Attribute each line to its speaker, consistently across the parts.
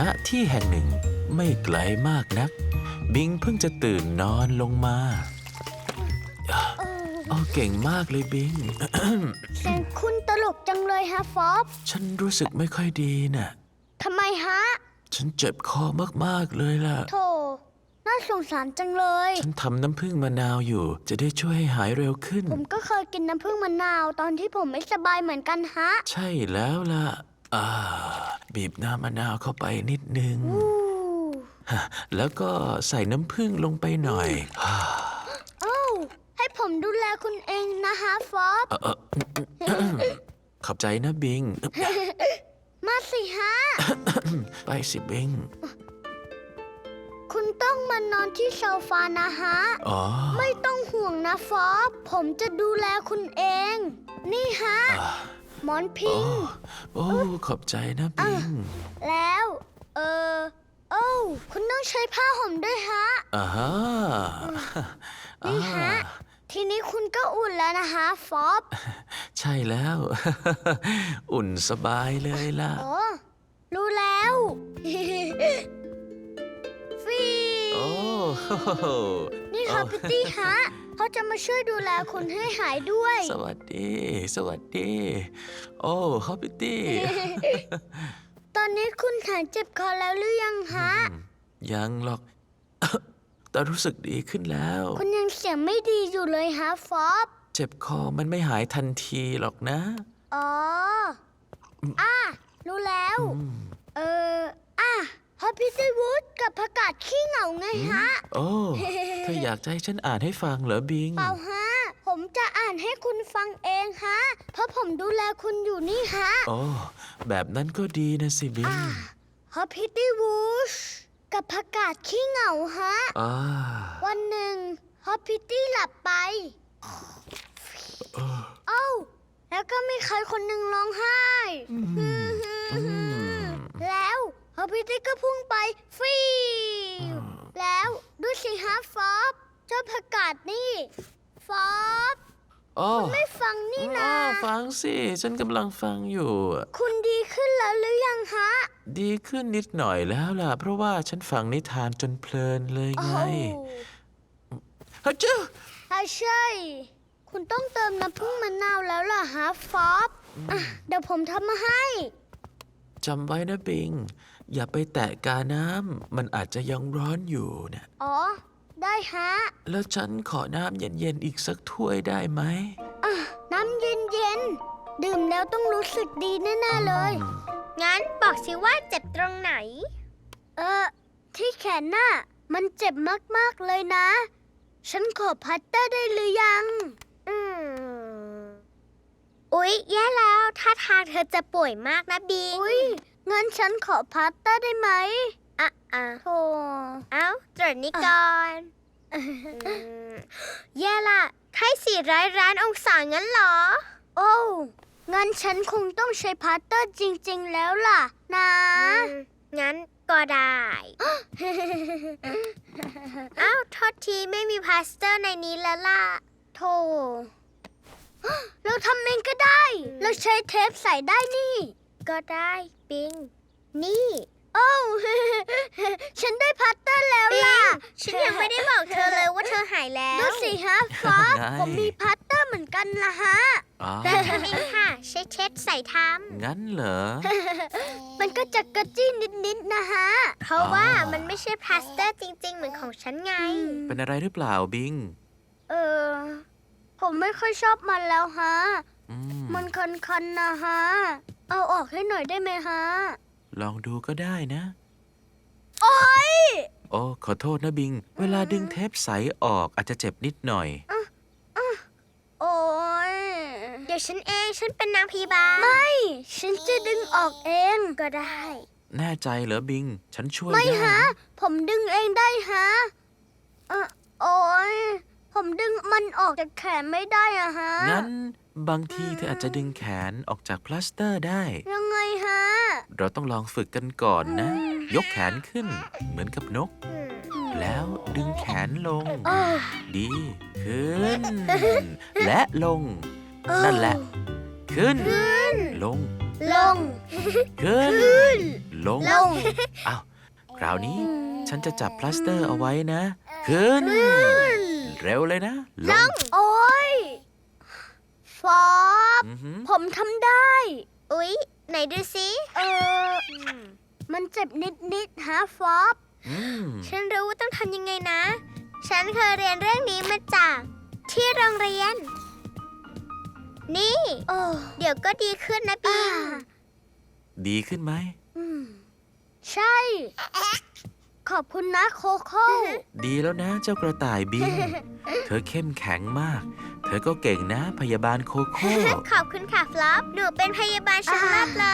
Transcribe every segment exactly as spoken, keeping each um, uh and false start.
Speaker 1: ณที่แห่งหนึ่งไม่ไกลมากนักบิงเพิ่งจะตื่นนอนลงมาโอ้เก่งมากเลยบิง
Speaker 2: เสียงคุณตลกจังเลยฮะฟอบ
Speaker 1: ฉันรู้สึกไม่ค่อยดีน่ะ
Speaker 2: ทำไมฮะ
Speaker 1: ฉันเจ็บคอมากๆเลยล่ะ
Speaker 2: โธ่น่าสงสารจังเลย
Speaker 1: ฉันทำน้ำผึ้งมะนาวอยู่จะได้ช่วยให้หายเร็วขึ้น
Speaker 2: ผมก็เคยกินน้ำผึ้งมะนาวตอนที่ผมไม่สบายเหมือนกันฮะ
Speaker 1: ใช่แล้วล่ะอ่าบีบน้ำมะนาวเข้าไปนิดนึง
Speaker 2: อู้
Speaker 1: แล้วก็ใส่น้ำผึ้งลงไปหน่อย
Speaker 2: เอ้าให้ผมดูแลคุณเองนะฮะฟอบ
Speaker 1: เอ่อเอ่อ ขอบใจนะบิง
Speaker 2: มาสิฮะ
Speaker 1: ไปสิบิง
Speaker 2: คุณต้องมานอนที่โซฟานะฮะ
Speaker 1: อ๋อ
Speaker 2: ไม่ต้องห่วงนะฟอบผมจะดูแลคุณเอง นี่ฮะ
Speaker 1: อ่า
Speaker 2: หมอนพิ
Speaker 1: โอ้
Speaker 2: ง
Speaker 1: โอ้ขอบใจนะบิง
Speaker 2: แล้ว เออโอ้วคุณต้องใช้ผ้าห่มด้วยฮะ
Speaker 1: อ่าฮะ
Speaker 2: นี่ฮะ ทีนี้คุณก็อุ่นแล้วนะคะฟอบ
Speaker 1: ใช่แล้ว อุ่นสบายเลยล่ะ
Speaker 2: โอ้รู้แล้ว ฟี
Speaker 1: โอ้
Speaker 2: นี่ค่ะพิตตี้ฮะเขาจะมาช่วยดูแลคุณให้หายด้วย
Speaker 1: สวัสดี สวัสดี โอ้ฮอปปี้ตี้
Speaker 2: ตอนนี้คุณหายเจ็บคอแล้วหรือยังฮะ
Speaker 1: ยังหรอก แต่รู้สึกดีขึ้นแล้ว
Speaker 2: คุณยังเสียงไม่ดีอยู่เลยฮะฟอบ
Speaker 1: เจ็บคอมันไม่หายทันทีหรอกนะ
Speaker 2: อ๋ออ่ะรู้แล้ว เอออ่ะฮอปปี้ตี้วูดกับผักกาดขี้เหงาไงฮะ
Speaker 1: โอ้เธออยากจะให้ฉันอ่านให้ฟังเหรอบิง
Speaker 2: เปล่าฮะ ผมจะอ่านให้คุณฟังเองฮะ เพราะผมดูแลคุณอยู่นี่ฮะ
Speaker 1: โอ้แบบนั้นก็ดีนะสิบิง
Speaker 2: ฮอปพิตตี้วูชกับผักกาดขี้เหงาฮะ
Speaker 1: อ่า
Speaker 2: วันหนึ่งฮอปพิตตี้หลับไป เอ้า แล้วก็มีใครคนหนึ่งร้องไห้ แล้วฮอปพิตตี้ก็พุ่งไปฟีวแล้วดูสิฮะฟอบเจ้าผักกาดนี่ ฟอบ
Speaker 1: โอ้
Speaker 2: ไม่ฟังนี่นะ
Speaker 1: อ้าวฟังสิ ฉันกำลังฟังอยู่
Speaker 2: คุณดีขึ้นแล้วหรือยังฮะ
Speaker 1: ดีขึ้นนิดหน่อยแล้วล่ะ เพราะว่าฉันฟังนิทานจนเพลินเลย
Speaker 2: โอ้
Speaker 1: ไงฮัจจ้า
Speaker 2: ใช่ใช่ คุณต้องเติมน้ำผึ้งมะนาวแล้วล่ะฮะฟอบอ่ะเดี๋ยวผมทำมาให้
Speaker 1: จำไว้นะบิง อย่าไปแตะกาน้ำ มันอาจจะยังร้อนอยู่นะ
Speaker 2: อ๋อ ได้ฮะ
Speaker 1: แล้วฉันขอน้ำเย็นๆอีกสักถ้วยได้ไหม
Speaker 2: อ่ะ น้ำเย็นเย็นๆดื่มแล้วต้องรู้สึกดีแน่ๆเลย
Speaker 3: งั้นบอกสิว่าเจ็บตรงไหน
Speaker 2: เออ ที่แขนน่ะ มันเจ็บมากๆเลยนะ ฉันขอพัตเตอร์ได้หรือยัง
Speaker 3: อืม อุ๊ย แย่แล้วท่าทางเธอจะป่วยมากนะบิง
Speaker 2: อุ้ยงั้นฉันขอพัตเตอร์ได้ไหม
Speaker 3: อ่ะอ่ะ
Speaker 2: โธ่
Speaker 3: เอ้าตรวจนี้ก่อนอืมแย่ละไข้สี่ร้อยร้านองศางั้นเหรอ
Speaker 2: โอ้วงั้นฉันคงต้องใช้พัตเตอร์จริงๆแล้วล่ะ นะ
Speaker 3: อืม งั้นก็ได้ เอ้าโทษทีไม่มีพลาสเตอร์ในนี้แล้วล่ะ
Speaker 2: โธ่ เราทำเองก็ได้ เราใช้เทปใส่ได้นี่
Speaker 3: ก็ได้บิง นี่
Speaker 2: โอ้ว ฉันได้พัตเตอร์แล้ว
Speaker 3: บิ
Speaker 2: ล่ะ
Speaker 3: ง ฉันยังไม่ได้บอกเธอเลยว่าเธอหายแล้ว
Speaker 2: ดูสิฮะฟอบ
Speaker 1: ไง
Speaker 2: ผมมีพัตเตอร์เหมือนกันล่ะฮะ
Speaker 1: อ๋อ
Speaker 3: แต่ทำเองค่ะ ใช้เช็ดใส่ท
Speaker 1: งั้นเหรอ
Speaker 2: มันก็จะกระจี้นิดๆนะฮะ
Speaker 3: ำ เพราะว่า
Speaker 1: อ๋อ
Speaker 3: มันไม่ใช่พลาสเตอร์จริง ๆ เหมือนของฉันไง
Speaker 1: เป็นอะไรหรือเปล่าบิง
Speaker 2: เออ ผมไม่ค่อยชอบมันแล้วฮะ
Speaker 1: อืม
Speaker 2: มันคันๆนะฮะ เอาออกให้หน่อยได้ไหมฮะ
Speaker 1: ลองดูก็ได้นะ
Speaker 2: โอ๊ย
Speaker 1: โอ้ ขอโทษนะบิง เวลาดึงเทปใสออกอาจจะเจ็บนิดหน่อย
Speaker 2: โอ๊ย
Speaker 3: เดี๋ยวฉันเอง ฉันเป็นนางพยาบาล
Speaker 2: ไม่ ฉันจะดึงออกเอง
Speaker 3: ก็ได้
Speaker 1: แน่ใจเหรอบิง ฉันช่วย
Speaker 2: ไม่
Speaker 1: ได้
Speaker 2: ฮะ
Speaker 1: นะ
Speaker 2: ผมดึงเองได้ฮะเออโอ๊ย ผมดึงมันออกจากแขนไม่ได้อะฮะ
Speaker 1: งั้นบางทีเธออาจจะดึงแขนออกจากพลาสเตอร์ได้
Speaker 2: ยังไงฮะ
Speaker 1: เราต้องลองฝึกกันก่อนนะ ยกแขนขึ้น เหมือนกับนก
Speaker 3: อืม
Speaker 1: แล้วดึงแขนลง
Speaker 2: เออ
Speaker 1: ดี ขึ้น และลง นั่นแหละ ขึ้น ลง
Speaker 2: ลง
Speaker 1: ขึ้น ลลง
Speaker 2: ลง
Speaker 1: อ้าว คราวนี้ ฉันจะจับพลาสเตอร์เอาไว้นะ ขึ้น เร็วเลยนะ ลง
Speaker 2: โอ้ยฟอบ
Speaker 1: อือหือ
Speaker 2: ผมทำได้
Speaker 3: อุ๊ย ไหนดูสิ
Speaker 2: เออ มันเจ็บนิดๆฮะฟอบ
Speaker 1: อืม
Speaker 3: ฉันรู้ว่าต้องทำยังไงนะ ฉันเคยเรียนเรื่องนี้มาจากที่โรงเรียน นี่
Speaker 2: โอ้
Speaker 3: เดี๋ยวก็ดีขึ้นนะบิ
Speaker 2: อ่าง
Speaker 1: ดีขึ้นไหม
Speaker 2: อืมใช่ ขอบคุณนะโคโค่
Speaker 1: ดีแล้วนะเจ้ากระต่ายบิง เธอเข้มแข็งมาก เธอก็เก่งนะ พยาบาลโคโค่
Speaker 3: ขอบคุณค่ะฟลอป หนูเป็นพยาบาลชั้นรับเลย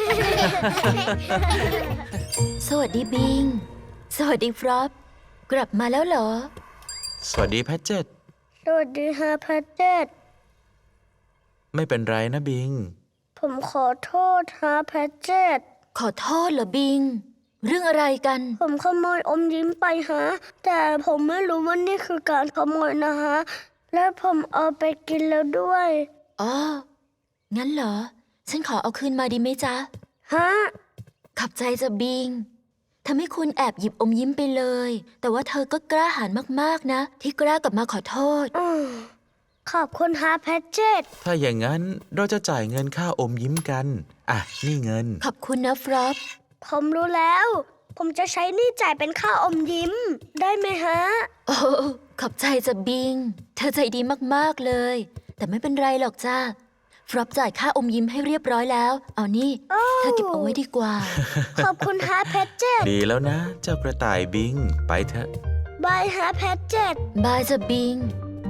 Speaker 4: สวัสดีบิง สวัสดีฟรอป กลับมาแล้วเหรอ
Speaker 1: สวัสดีแพทเจต
Speaker 2: สวัสดีฮะแพทเจต
Speaker 1: ไม่เป็นไรนะบิง
Speaker 2: ผมขอโทษฮะแพทเจต
Speaker 4: ขอโทษเหรอบิง เรื่องอะไรกัน
Speaker 2: ผมขโมยอมยิ้มไปฮะ แต่ผมไม่รู้ว่านี่คือการขโมยนะฮะ และผมเอาไปกินแล้วด้วย
Speaker 4: อ๋อ งั้นเหรอ ฉันขอเอาคืนมาดีไหมจ๊ะ
Speaker 2: ฮะ
Speaker 4: ขอบใจจะบิงทำให้คุณแอบหยิบอมยิ้มไปเลย แต่ว่าเธอก็กล้าหาญมากๆนะ ที่กล้ากลับมาขอโทษ
Speaker 2: อืมขอบคุณฮะแพทเจต
Speaker 1: ถ้าอย่างนั้นเราจะจ่ายเงินค่าอมยิ้มกัน อ่ะ นี่เงิน
Speaker 4: ขอบคุณนะฟรอป
Speaker 2: ผมรู้แล้ว ผมจะใช้หนี่จ่ายเป็นค่าอมยิ้ม ได้ไหมฮะ
Speaker 4: โอ้ขอบใจจะบิง เธอใจดีมากๆเลย แต่ไม่เป็นไรหรอกจ้าฟรอปจ่ายค่าอมยิ้มให้เรียบร้อยแล้ว เอานี่ เธอเก็บเอาไว้ดีกว่า
Speaker 2: ขอบคุณฮะแพทเจต
Speaker 1: ดีแล้วนะ เจ้ากระต่ายบิง ไปเถอะ
Speaker 2: บายฮะแพทเจต
Speaker 4: บายจะบิง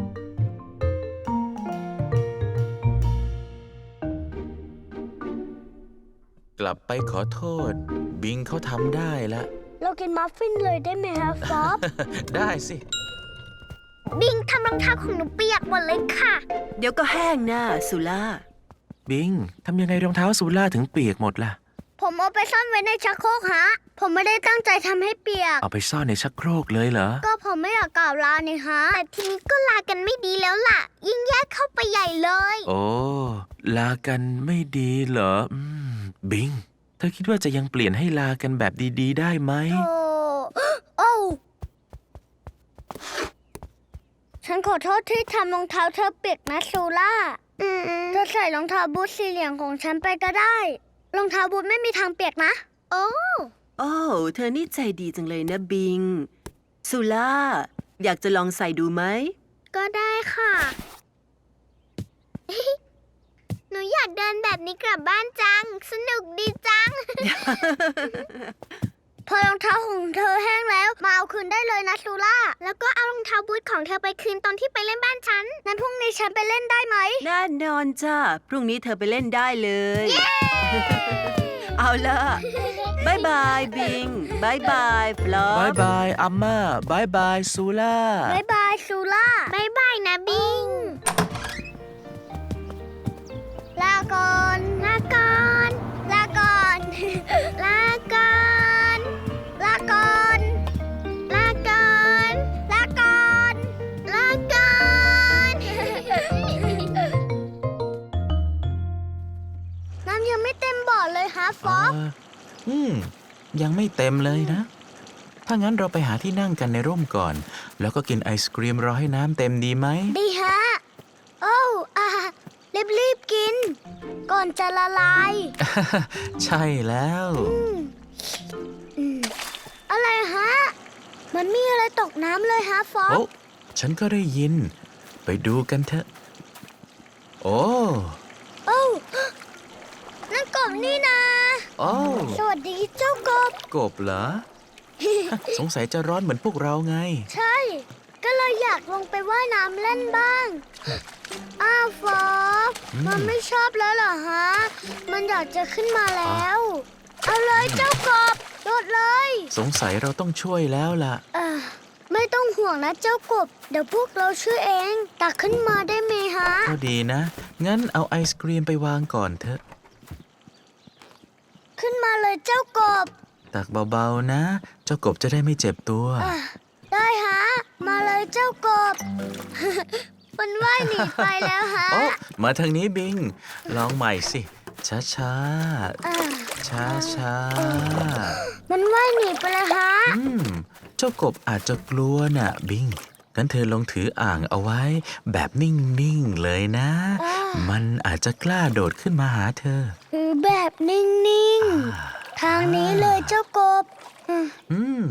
Speaker 1: กลับไปขอโทษ บิงเขาทำได้ละ
Speaker 2: เรากินมัฟฟินเลยได้ไหมฮะฟอบ
Speaker 1: ได้สิ
Speaker 3: บิงทำรองเท้าของหนูเปียกหมดเลยค่ะ
Speaker 5: เดี๋ยวก็แห้งนะสุล่า
Speaker 1: บิง ทำยังไงรองเท้าซูล่าถึงเปียกหมดล่ะ
Speaker 2: ผมเอาไปซ่อนไว้ในชักโครกฮะ ผมไม่ได้ตั้งใจทำให้เปียก
Speaker 1: เอาไปซ่อนในชักโครกเลยเหรอ
Speaker 2: ก็ผมไม่อยากกล่าวลานี่ฮะ
Speaker 3: แต่ทีนี้ก็ลากันไม่ดีแล้วล่ะ ยิ่งแยกเข้าไปใหญ่เลย
Speaker 1: โอ้ ลากันไม่ดีเหรอ อืม บิง เธอคิดว่าจะยังเปลี่ยนให้ลากันแบบดีๆ ได้ไหม
Speaker 2: โอ้ โอ้ฉันขอโทษที่ทำรองเท้าเธอเปียกนะซูล่า
Speaker 3: อืม
Speaker 2: เธอใส่รองเท้าบูทสีเหลืองของฉันไปก็ได้ รองเท้าบูทไม่มีทางเปียกนะ
Speaker 3: โอ้
Speaker 5: โอ้เธอนี่ใจดีจังเลยนะบิง สุล่า อยากจะลองใส่ดูไหม
Speaker 3: ก็ได้ค่ะ หนูอยากเดินแบบนี้กลับบ้านจัง สนุกดีจัง
Speaker 2: พอรองเท้าของเธอแห้งแล้ว มาเอาคืนได้เลยนะซูล่า
Speaker 3: แล้วก็เอารองเท้าบูทของเธอไปคืนตอนที่ไปเล่นบ้านฉัน
Speaker 2: นั้นพรุ่งนี้ฉันไปเล่นได้ไหม
Speaker 5: แน่นอนจ้า พรุ่งนี้เธอไปเล่นได้เลย เอาล่ะบายบายบิงบายบายฟลอบ
Speaker 1: ายบายอัมมาบายบายซูล่า
Speaker 2: บ๊ายบายซูล่า
Speaker 3: บายบายนะบิง
Speaker 2: ลาก่อน
Speaker 3: ลาก่อน
Speaker 2: ลาก่อน
Speaker 3: ลาก่อน
Speaker 2: ลาก่อน
Speaker 3: ลาก่อน
Speaker 2: ลาก่อน
Speaker 3: ลาก่อน
Speaker 2: น้ำยังไม่เต็มบ่อเลยฮะฟอบ
Speaker 1: เอ่ออืม ยังไม่เต็มเลยนะ ถ้างั้นเราไปหาที่นั่งกันในร่มก่อน แล้วก็กินไอศกรีมรอให้น้ำเต็มดีไหม
Speaker 2: ดีฮะ โอ้อารีบรีบๆกิน ก่อนจะละลาย
Speaker 1: ใช่แล้ว
Speaker 2: อืมอะไรฮะ มันมีอะไรตกน้ำเลยฮะฟอ
Speaker 1: โอ้
Speaker 2: บ
Speaker 1: ฉันก็ได้ยิน ไปดูกันเถอะ โอ้
Speaker 2: โอ้นั่นกบนี่นะ
Speaker 1: โอ้
Speaker 2: สวัสดีเจ้ากบ
Speaker 1: กบเหรอ สงสัยจะร้อนเหมือนพวกเราไง
Speaker 2: ใช่ ก็เลยอยากลงไปว่ายน้ำเล่นบ้าง อ้าวฟอบ
Speaker 1: อืม
Speaker 2: มันไม่ชอบแล้วเหรอฮะ มันอยากจะขึ้นมาแล้ว เอาเลยเจ้ากบ โดดเลย
Speaker 1: สงสัยเราต้องช่วยแล้วล่ะ
Speaker 2: เอ่อไม่ต้องห่วงนะเจ้ากบ เดี๋ยวพวกเราช่วยเอง ตักขึ้นมาได้ไหมฮะ
Speaker 1: ก็ดีนะ งั้นเอาไอศกรีมไปวางก่อนเถอะ
Speaker 2: ขึ้นมาเลยเจ้ากบ
Speaker 1: ตักเบาๆนะ เจ้ากบจะได้ไม่เจ็บตัว
Speaker 2: อ่ะได้ฮะ มาเลยเจ้ากบ มันว่ายหนีไปแล้วฮะ
Speaker 1: โอ้ มาทางนี้บิง ลองใหม่สิ ช้า
Speaker 2: อ่ะ
Speaker 1: ช้าช้า
Speaker 2: มันว่ายหนีไปแล้วฮะ
Speaker 1: อืม เจ้ากบอาจจะกลัวน่ะ บิง งั้นเธอลองถืออ่างเอาไว้ แบบนิ่ง ๆ เลยนะ
Speaker 2: อ่า
Speaker 1: มันอาจจะกล้าโดดขึ้นมาหาเธอ
Speaker 2: คือแบบนิ่ง ๆ ทางนี้เลยเจ้ากบอืม
Speaker 1: อืม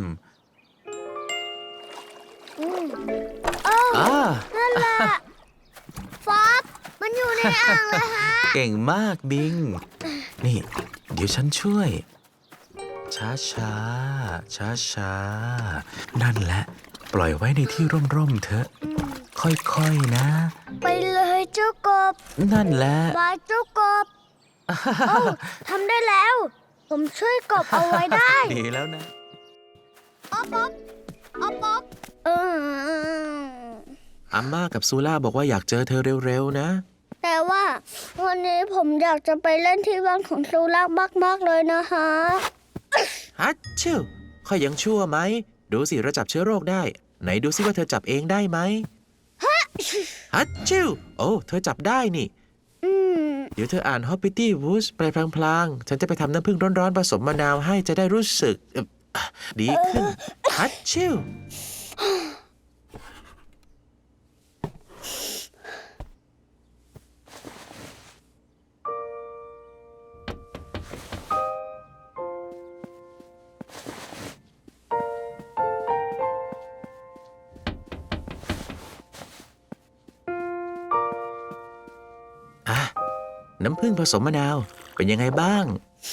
Speaker 2: อืมเอ้า
Speaker 1: อ่า
Speaker 2: นั่นแหละฟอบมันอยู่ในอ่างเลยฮะ
Speaker 1: เก่งมากบิง นี่ เดี๋ยวฉันช่วย ช้าช้าช้าช้าๆนั่นแหละ ปล่อยไว้ในที่ร่ม ๆ เถอะ ค่อย ๆ นะ
Speaker 2: ไปเลยเจ้ากบ
Speaker 1: นั่นแหละ
Speaker 2: บายเจ้ากบเอ้าทำได้แล้ว ผมช่วยกบเอาไว้ได้
Speaker 1: ดีแล้วนะ
Speaker 2: อ๊อบอ๊อบอ๊อบอ๊อบเออ
Speaker 1: อาม่ากับซูล่าบอกว่าอยากเจอเธอเร็ว ๆ นะ
Speaker 2: แต่ว่าวันนี้ผมอยากจะไปเล่นที่บ้านของซูรักมากๆเลยนะฮะ
Speaker 6: ฮัทชิวค่อยยังชั่วไหม ดูสิเราจับเชื้อโรคได้ ไหนดูสิว่าเธอจับเองได้ไหมฮัทชิวโอ้เธอจับได้นี่
Speaker 2: อืม
Speaker 6: เดี๋ยวเธออ่าน Hoppity Woods ไปพลางๆ ฉันจะไปทำน้ำผึ้งร้อนๆผสมมะนาวให้จะได้รู้สึกเอ่อดีขึ้นฮัทชิว อ่ะ น้ำผึ้งผสมมะนาว เป็นยังไงบ้าง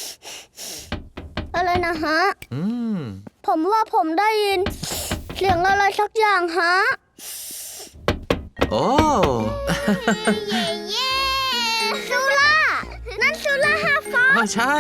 Speaker 2: อะไรนะฮะ
Speaker 6: อืม
Speaker 2: ผมว่าผมได้ยิน เสียงอะไรสักอย่างฮะ
Speaker 6: โอ้
Speaker 2: เย่เย่ซูล่า นั่นซูล่าฮาฟอ
Speaker 6: อ๋อใช่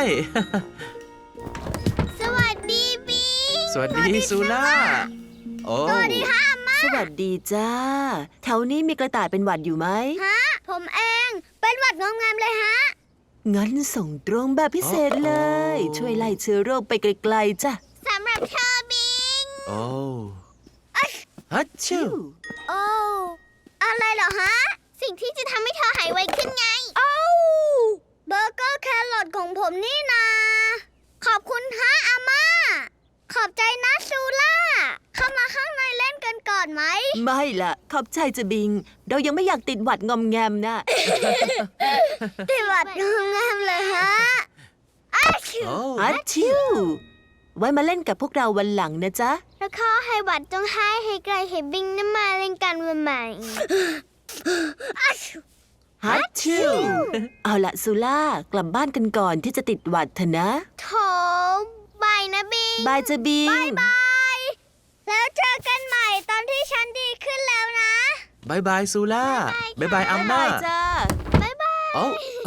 Speaker 2: สวัสดีบี
Speaker 6: สวัสดีซูล่า โอ้
Speaker 2: สวัสดีฮะอาม่า
Speaker 5: สวัสดีจ้า แถวนี้มีกระต่ายเป็นหวัดอยู่ไหม
Speaker 2: ฮะ ผมเอง เป็นหวัดงอมงามเลยฮะ
Speaker 5: งั้นส่งตรงแบบพิเศษเลย ช่วยไล่เชื้อโรคไปไกลๆจ้ะ
Speaker 2: สำหรับเธอบิง
Speaker 6: โอ้ฮัทชิว
Speaker 2: โอ้ อะไรเหรอฮะ สิ่งที่จะทำให้เธอหายไวขึ้นไง โอ้เบอร์เกอร์แครอทของผมนี่นา ขอบคุณฮะอาม่า ขอบใจนะซูล่า เข้ามาข้างในเล่นกันก่อนไหม
Speaker 5: ไม่ล่ะ ขอบใจจะบิง เรายังไม่อยากติดหวัดงอมแงมนะ
Speaker 2: ติดหวัดงอมงามเลยฮะอ้าชิว
Speaker 6: โอ้
Speaker 5: ฮัทชิว ไว้มาเล่นกับพวกเราวันหลังนะจ๊ะ
Speaker 2: แล้วขอให้หวัดจงหายให้ไกลให้บิงน้ำมาเล่นกันวันใหม่อ้าชิว
Speaker 5: ฮัทชิว เอาละซูล่ากลับบ้านกันก่อนที่จะติดหวัดเถอะนะ
Speaker 2: โถบายนะบิง
Speaker 5: บายจะบิง
Speaker 2: บาย แล้วเจอกันใหม่ตอนที่ฉันดีขึ้นแล้วนะ
Speaker 6: บายบายซูล่าบายบายอาม่า
Speaker 5: บ๊ายบายจ้า
Speaker 2: บ๊ายบาย
Speaker 6: โอ้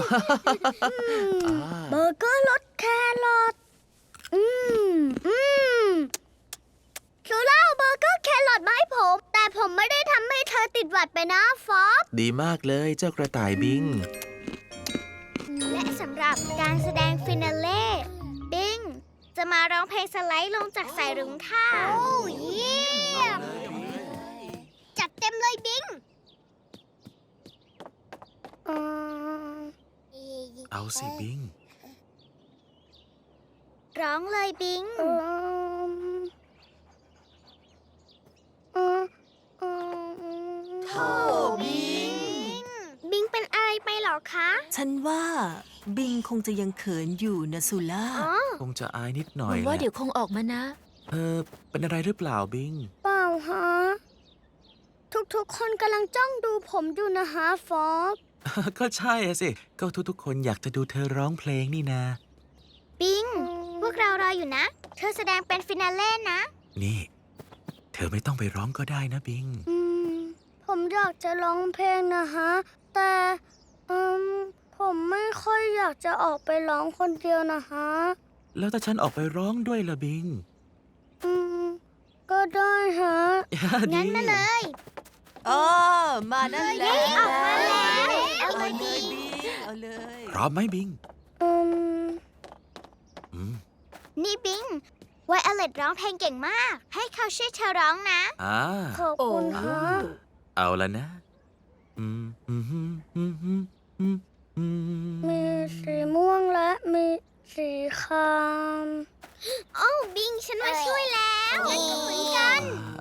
Speaker 2: เบอร์เกอร์รสแครอท อืม อืมซูล่าเอาเบอร์เกอร์แครอทมาให้ผม แต่ผมไม่ได้ทำให้เธอติดหวัดไปนะฟอบ
Speaker 6: ดีมากเลยเจ้ากระต่ายบิง
Speaker 2: และสำหรับการแสดงฟินาเล่ บิง จะมาร้องเพลงสไลด์ลงจากสายรุ้งค่ะ โอ้เยี่ยม จัดเต็มเลยบิง
Speaker 6: เอาสิบิง
Speaker 2: ร้องเลยบิง
Speaker 5: โธ่บิง
Speaker 2: บิงเป็นอะไรไปเหรอคะ
Speaker 5: ฉันว่าบิงคงจะยังเขินอยู่นะซูล่า
Speaker 2: อ๋อ
Speaker 6: คงจะอายนิดหน่
Speaker 4: ห
Speaker 6: อย
Speaker 4: วัง
Speaker 6: แห
Speaker 4: ว่า
Speaker 6: ละ
Speaker 4: เดี๋ยวคงออกมานะ
Speaker 6: เออเป็นอะไรหรือเปล่าบิง
Speaker 2: เปล่าฮะ ทุกๆคนกำลังจ้องดูผมอยู่นะฮะฟอบ
Speaker 6: ก็ใช่อะสิ ก็ทุกๆคนอยากจะดูเธอร้องเพลงนี่นา
Speaker 2: บิง พวกเรารออยู่นะ เธอแสดงเป็นฟินาเล่นะ
Speaker 6: นี่ เธอไม่ต้องไปร้องก็ได้นะบิง
Speaker 2: อืม ผมอยากจะร้องเพลงนะฮะ แต่อืมผมไม่ค่อยอยากจะออกไปร้องคนเดียวนะฮะ
Speaker 6: แล้วถ้าฉันออกไปร้องด้วยล่ะบิง
Speaker 2: อืม ก็ได้ฮะ
Speaker 6: งั้นมาเลย
Speaker 5: อ๋อ มานั่นแหละ
Speaker 2: ออกมาแล้ว
Speaker 5: เอาเลยบิง เอาเลย
Speaker 6: พร้อมไหมบิง
Speaker 2: อืม
Speaker 6: อืม
Speaker 2: นี่บิง ไวโอเลตร้องเพลงเก่งมาก ให้เขาช่วยเธอร้องนะ
Speaker 6: อ่า
Speaker 2: ขอบคุณฮะ
Speaker 6: เอาละนะ อืมอืมอืมอืมอืมอืม
Speaker 2: มีสีม่วงและมีสีคำโอ้บิงฉันมาช่วยแล้วงั้นก็เหมือนกัน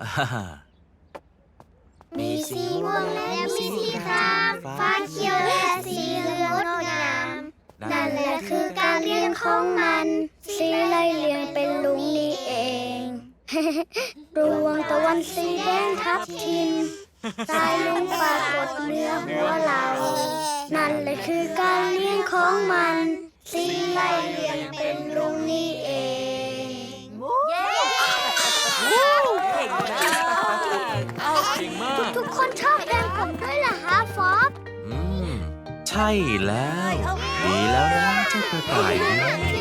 Speaker 2: มีสีม่วงและมีสีครามฟ้าเขียวและสีเหลืองงดงาม นั่นแหละคือการเรียงของมัน สีไล่เรียงเป็นลุงนี่เอง ดวงตะวันสีแดงทับทิมสายลุงปรากฏเหนื้อหัวเรา นั่นแหละคือการเรียงของมัน สีไล่เรียงเป็นลุงนี่เอง ทุกคนชอบเพลงผมด้วยเหรอฮะฟอบ
Speaker 6: อืม ใช่แล้ว ดีแล้วนะเจ้ากระต่ายนี่